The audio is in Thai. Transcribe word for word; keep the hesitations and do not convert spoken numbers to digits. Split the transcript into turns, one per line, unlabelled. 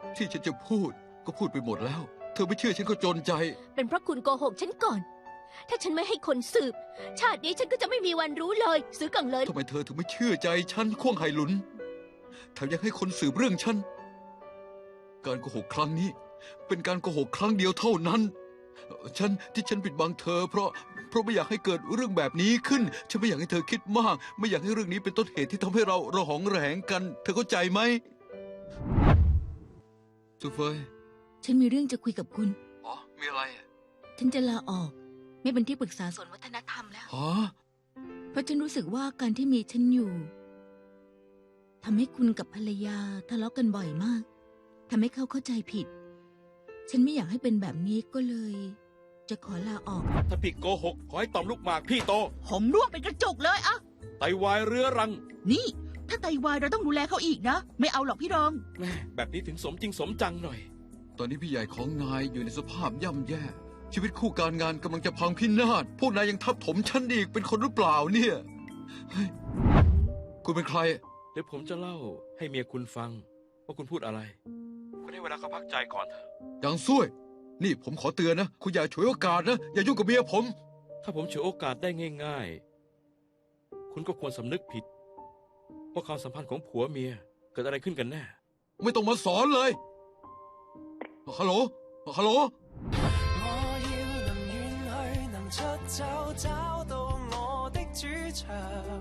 ที่ฉันจะพูดก็พูดไปหมดแล้ว เธอไม่เชื่อฉันก็จนใจ
เป็นเพราะคุณโกหกฉันก่อน ถ้าฉันไม่ให้คนสืบ ชาตินี้ฉันก็จะไม่มีวันรู้เลย ซื้อกังเลย
ทำไมเธอถึงไม่เชื่อใจฉันข่วงไหหลุนแถมยังให้คนสืบเรื่องฉัน การโกหกครั้งนี้ เป็นการโกหกครั้งเดียวเท่านั้น ฉันที่ฉันปิดบังเธอ เพราะเพราะไม่อยากให้เกิดเรื่องแบบนี้ขึ้น ฉันไม่อยากให้เธอคิดมาก ไม่อยากให้เรื่องนี้เป็นต้นเหตุที่ทำให้เราระหองระแหงกัน เธอเข้าใจไหมซูเฟย
ฉันมีเรื่องจะคุยกับคุณ
อ๋อ มีอะไรอ่ะ
ฉันจะลาออก ไม่เป็นที่ปรึกษาส่วนวัฒนธรรมแล้ว
ฮะ
เพราะฉันรู้สึกว่าการที่มีฉันอยู่ทำให้คุณกับภรรยาทะเลาะกันบ่อยมากทำให้เขาเข้าใจผิด ฉันไม่อยากให้เป็นแบบนี้ก็เลย จะขอลาออก
ถ้าพี่โกหกขอให้ต่อมลูกหมากพี่โต
ผมร่วงเป็นกระจกเลยอะ
ไตวายเรื้อรัง
นี่ ถ้าไตวายเราต้องดูแลเขาอีกนะ ไม่เอาหรอกพี่รอง
แม่แบบนี้ถึงสมจริงสมจังหน่อย
ตอนนี้พี่ใหญ่ของนายอยู่ในสภาพย่ำแย่ ชีวิตคู่การงานกำลังจะพังพินาศ พวกนายยังทับถมฉันอีกเป็นคนหรือเปล่าเนี่ยเฮ้ยคุณเป็นใคร
เดี๋ยวผมจะเล่าให้เมียคุณฟัง ว่าคุณพูดอะไร คุณให้เวลาเขาพักใจก่อนเถอะ
อย่างซุ่ยนี่ผมขอเตือนนะ คุณอย่าฉวยโอกาสนะ อย่ายุ่งกับเมียผม
ถ้าผมฉวยโอกาสได้ง่ายๆ คุณก็ควรสำนึกผิด ว่าความสัมพันธ์ของผัวเมียเกิดอะไรขึ้นกันแน่
ไม่ต้องมาสอนเลย ฮัลโหล ฮัลโหล
我要能遠去，能出走，找到我的主場。